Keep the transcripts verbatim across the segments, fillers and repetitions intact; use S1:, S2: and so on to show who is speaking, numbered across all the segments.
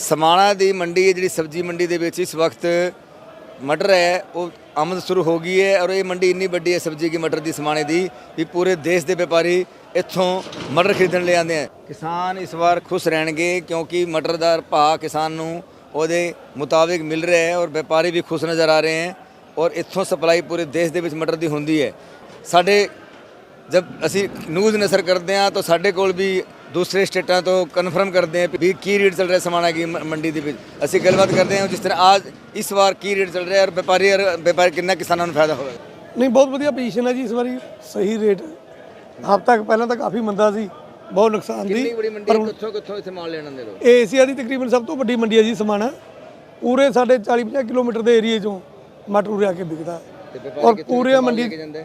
S1: समाणा की मंडी है जी सब्जी मंडी के इस वक्त मटर है वो आमद शुरू हो गई है और ये मंडी इन्नी बड़ी है सब्जी की मटर की समाणे की भी पूरे देश के व्यापारी इत्थों मटर खरीदण ले आते हैं। किसान इस बार खुश रहणगे क्योंकि मटर का भाव किसान नूं ਉਹਦੇ मुताबिक मिल रहा है और व्यापारी भी खुश नज़र आ रहे हैं और इत्थों सप्लाई पूरे देश के मटर की होंदी है। साढ़े जब असी न्यूज़ नसर करते हैं तो साढ़े कोल भी दूसरे स्टेटों तो कन्फर्म करते हैं भी की रेट चल रहा है समाणा की मंडी के असी गलबात करते हैं जिस तरह आज इस बार की रेट चल रहा है और व्यापारी और व्यापारी कितना किसानों को फायदा होगा।
S2: नहीं बहुत वधिया पोजीशन है जी इस बारी सही रेट हफ्ता पहले तो काफ़ी मंदा सी बहुत नुकसान दी
S1: पर कित्थों कित्थों इत्थे माल लेण आंदे लोग।
S2: एशिया की तकरीबन सब तो वड्डी मंडी है जी समाणा पूरे साढ़े चाली पचास किलोमीटर के एरिए चों मटर उरे आके बिकता और पूरे मंडी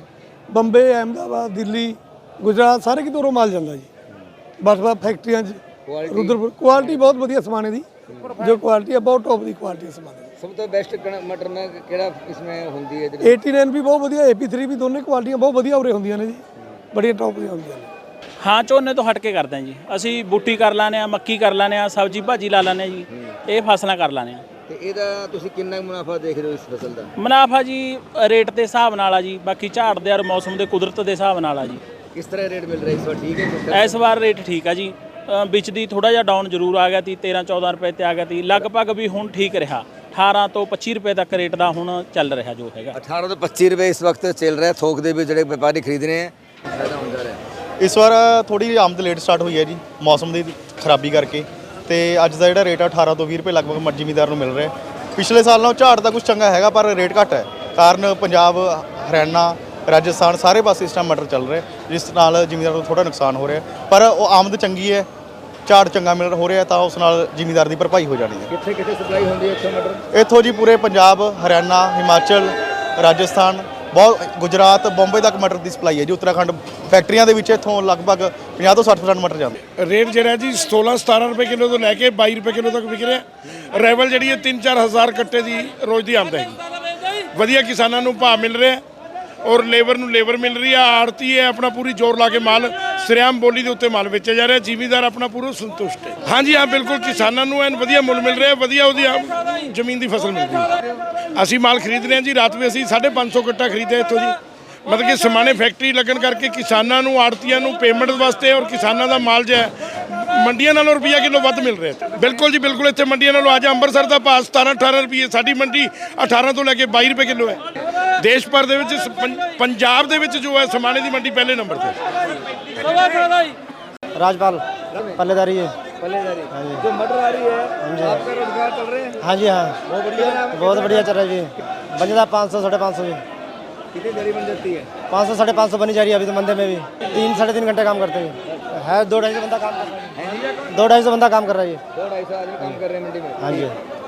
S2: बंबे अहमदाबाद दिल्ली गुजरात सारे कितों माल जाता जी बस बस फैक्ट्रियां रुद्रपुर क्वालिटी बहुत वधिया समाणे की जो क्वालिटी है बहुत टॉप की क्वालिटी है समाणे की।
S1: सब तो बेस्ट मटर में किहड़ा किस्में हुंदी है
S2: एटी नाइन भी बहुत वधिया ए पी थ्री भी दोनों क्वालिटियां बहुत वधिया उरे होंदियां ने जी बड़िया टॉप दी होंदियां ने।
S3: हाँ झोने तो हट के करते हैं जी असी बूटी कर लाने मक्की कर लाने सब्जी भाजी ला लाने जी ये फसलां कर लाने
S1: ਤੇ ਇਹਦਾ ਤੁਸੀਂ ਕਿੰਨਾ ਮੁਨਾਫਾ ਦੇਖ ਰਹੇ ਹੋ ਇਸ ਫਸਲ ਦਾ?
S3: ਮੁਨਾਫਾ ਜੀ ਰੇਟ ਦੇ ਹਿਸਾਬ ਨਾਲ ਆ ਜੀ ਬਾਕੀ ਝਾੜ ਦੇ ਔਰ ਮੌਸਮ ਦੇ ਕੁਦਰਤ ਦੇ ਹਿਸਾਬ ਨਾਲ ਆ ਜੀ।
S1: ਕਿਸ ਤਰ੍ਹਾਂ ਰੇਟ ਮਿਲ ਰਿਹਾ ਇਸ ਵਾਰ ਠੀਕ ਹੈ?
S3: ਇਸ ਵਾਰ ਰੇਟ ਠੀਕ ਆ ਜੀ ਵਿੱਚ ਦੀ ਥੋੜਾ ਜਿਹਾ ਡਾਊਨ ਜ਼ਰੂਰ ਆ ਗਿਆ ਤੀ तेरह चौदह ਰੁਪਏ ਤੇ ਆ ਗਿਆ ਤੀ ਲਗਭਗ ਵੀ ਹੁਣ ਠੀਕ ਰਿਹਾ अठारह ਤੋਂ पच्चीस ਰੁਪਏ ਤੱਕ ਰੇਟ ਦਾ ਹੁਣ ਚੱਲ ਰਿਹਾ ਜੋ ਹੈਗਾ।
S1: अठारह ਤੋਂ पच्चीस ਰੁਪਏ ਇਸ ਵਕਤ ਚੱਲ ਰਿਹਾ ਥੋਕ ਦੇ ਵੀ ਜਿਹੜੇ ਵਪਾਰੀ ਖਰੀਦ ਰਹੇ ਹੈ ਫਾਇਦਾ ਹੁੰਦਾ ਰਿਹਾ।
S4: ਇਸ ਵਾਰ ਥੋੜੀ ਜਿਹੀ ਆਮਦ ਲੇਟ ਸਟਾਰਟ ਹੋਈ ਹੈ ਜੀ ਮੌਸਮ ਦੀ ਖਰਾਬੀ ਕਰਕੇ ਤੇ ਅੱਜ ਦਾ ਜਿਹੜਾ ਰੇਟ ਆ अठारह ਤੋਂ बीस ਰੁਪਏ ਲਗਭਗ ਜ਼ਿਮੀਂਦਾਰ ਨੂੰ ਮਿਲ ਰਿਹਾ। ਪਿਛਲੇ ਸਾਲ ਨਾਲੋਂ ਝਾੜ ਤਾਂ ਕੁਝ ਚੰਗਾ ਹੈਗਾ ਪਰ ਰੇਟ ਘੱਟ ਹੈ ਕਾਰਨ ਪੰਜਾਬ ਹਰਿਆਣਾ ਰਾਜਸਥਾਨ ਸਾਰੇ ਪਾਸੇ ਇਸ ਟਾਈਮ ਮਟਰ ਚੱਲ ਰਿਹਾ ਜਿਸ ਨਾਲ ਜ਼ਿਮੀਂਦਾਰ ਨੂੰ ਥੋੜਾ ਨੁਕਸਾਨ ਹੋ ਰਿਹਾ ਪਰ ਉਹ ਆਮਦ ਚੰਗੀ ਹੈ ਝਾੜ ਚੰਗਾ ਮਿਲ ਹੋ ਰਿਹਾ ਤਾਂ ਉਸ ਨਾਲ ਜ਼ਿਮੀਂਦਾਰ ਦੀ ਭਰਪਾਈ ਹੋ ਜਾਣੀ ਹੈ।
S1: ਕਿੱਥੇ ਕਿੱਥੇ ਸਪਲਾਈ ਹੁੰਦੀ ਹੈ ਇੱਥੋਂ ਮਟਰ?
S4: ਇੱਥੋਂ ਜੀ ਪੂਰੇ ਪੰਜਾਬ ਹਰਿਆਣਾ ਹਿਮਾਚਲ ਰਾਜਸਥਾਨ ਬਹੁਤ ਗੁਜਰਾਤ ਬੰਬੇ ਤੱਕ ਮਟਰ ਦੀ ਸਪਲਾਈ ਹੈ ਜੀ। ਉੱਤਰਾਖੰਡ ਫੈਕਟਰੀਆਂ ਦੇ ਵਿੱਚ ਇੱਥੋਂ ਲਗਭਗ ਪੰਜਾਹ ਤੋਂ ਸੱਠ ਪਰਸੈਂਟ ਮਟਰ ਜਾਂਦੇ।
S5: ਰੇਟ ਜਿਹੜਾ ਜੀ सोलह सतारह ਰੁਪਏ ਕਿਲੋ ਤੋਂ ਲੈ ਕੇ बाईस ਰੁਪਏ ਕਿਲੋ ਤੱਕ ਵਿਕ ਰਿਹਾ। ਰੈਵਲ ਜਿਹੜੀ ਹੈ ਤਿੰਨ ਚਾਰ ਹਜ਼ਾਰ ਕੱਟੇ ਦੀ ਰੋਜ਼ ਦੀ ਆਮਦ ਹੈ। ਵਧੀਆ ਕਿਸਾਨਾਂ ਨੂੰ ਭਾਅ ਮਿਲ ਰਿਹਾ ਔਰ ਲੇਬਰ ਨੂੰ ਲੇਬਰ ਮਿਲ ਰਹੀ ਆ। ਆੜਤੀ ਹੈ ਆਪਣਾ ਪੂਰੀ ਜ਼ੋਰ ਲਾ ਕੇ ਮਾਲ ਸਰਿਆਮ ਬੋਲੀ ਦੇ ਉੱਤੇ ਮਾਲ ਵੇਚਿਆ ਜਾ ਰਿਹਾ। ਜ਼ਿਮੀਂਦਾਰ ਆਪਣਾ ਪੂਰਾ ਸੰਤੁਸ਼ਟ ਹੈ। ਹਾਂਜੀ ਹਾਂ ਬਿਲਕੁਲ ਕਿਸਾਨਾਂ ਨੂੰ ਐਨ ਵਧੀਆ ਮੁੱਲ ਮਿਲ ਰਿਹਾ ਵਧੀਆ ਉਹਦੀ ਜ਼ਮੀਨ ਦੀ ਫਸਲ ਮਿਲ ਰਹੀ। ਅਸੀਂ ਮਾਲ ਖਰੀਦ ਰਹੇ ਹਾਂ ਜੀ ਰਾਤ ਵੀ ਅਸੀਂ ਸਾਢੇ ਪੰਜ ਸੌ ਕੱਟਾ ਖਰੀਦਿਆ ਇੱਥੋਂ ਜੀ ਮਤਲਬ ਕਿ ਸਮਾਣੇ ਫੈਕਟਰੀ ਲੱਗਣ ਕਰਕੇ ਕਿਸਾਨਾਂ ਨੂੰ ਆੜਤੀਆਂ ਨੂੰ ਪੇਮੈਂਟ ਵਾਸਤੇ ਔਰ ਕਿਸਾਨਾਂ ਦਾ ਮਾਲ ਜੋ ਹੈ ਮੰਡੀਆਂ ਨਾਲੋਂ ਰੁਪਈਆ ਕਿਲੋ ਵੱਧ ਮਿਲ ਰਿਹਾ। ਬਿਲਕੁਲ ਜੀ ਬਿਲਕੁਲ ਇੱਥੇ ਮੰਡੀਆਂ ਨਾਲੋਂ ਅੱਜ ਅੰਮ੍ਰਿਤਸਰ ਦਾ ਭਾਅ ਸਤਾਰਾਂ ਅਠਾਰਾਂ ਰੁਪਏ ਸਾਡੀ ਮੰਡੀ ਅਠਾਰਾਂ ਤੋਂ ਲੈ ਕੇ ਬਾਈ ਰੁਪਏ ਕਿਲੋ ਹੈ। ਦੇਸ਼ ਭਰ ਦੇ ਵਿੱਚ ਪੰਜਾਬ ਦੇ ਵਿੱਚ ਜੋ ਹੈ ਸਮਾਣੇ ਦੀ ਮੰਡੀ ਪਹਿਲੇ ਨੰਬਰ ਤੇ।
S6: राजपाल पल्लेदारी है
S1: पल्लेदारी जो मटर आ रही है आपका रोजगार चल रहे हैं?
S6: हाँ जी हाँ
S1: बहुत बढ़िया
S6: बहुत बढ़िया चल रहा है जी बन जाता पाँच सौ साढ़े पाँच सौ भी
S1: कितनी देरी बन जाती है?
S6: पाँच सौ साढ़े पाँच सौ बनी जा रही है अभी तो मंदे में भी तीन साढ़े तीन घंटे काम करते हैं है दो ढाई सौ बंदा काम कर रहा है दो ढाई सौ बंदा काम कर रहा है
S1: दो ढाई सौ आदमी काम कर रहे हैं मंडी में।
S6: हाँ जी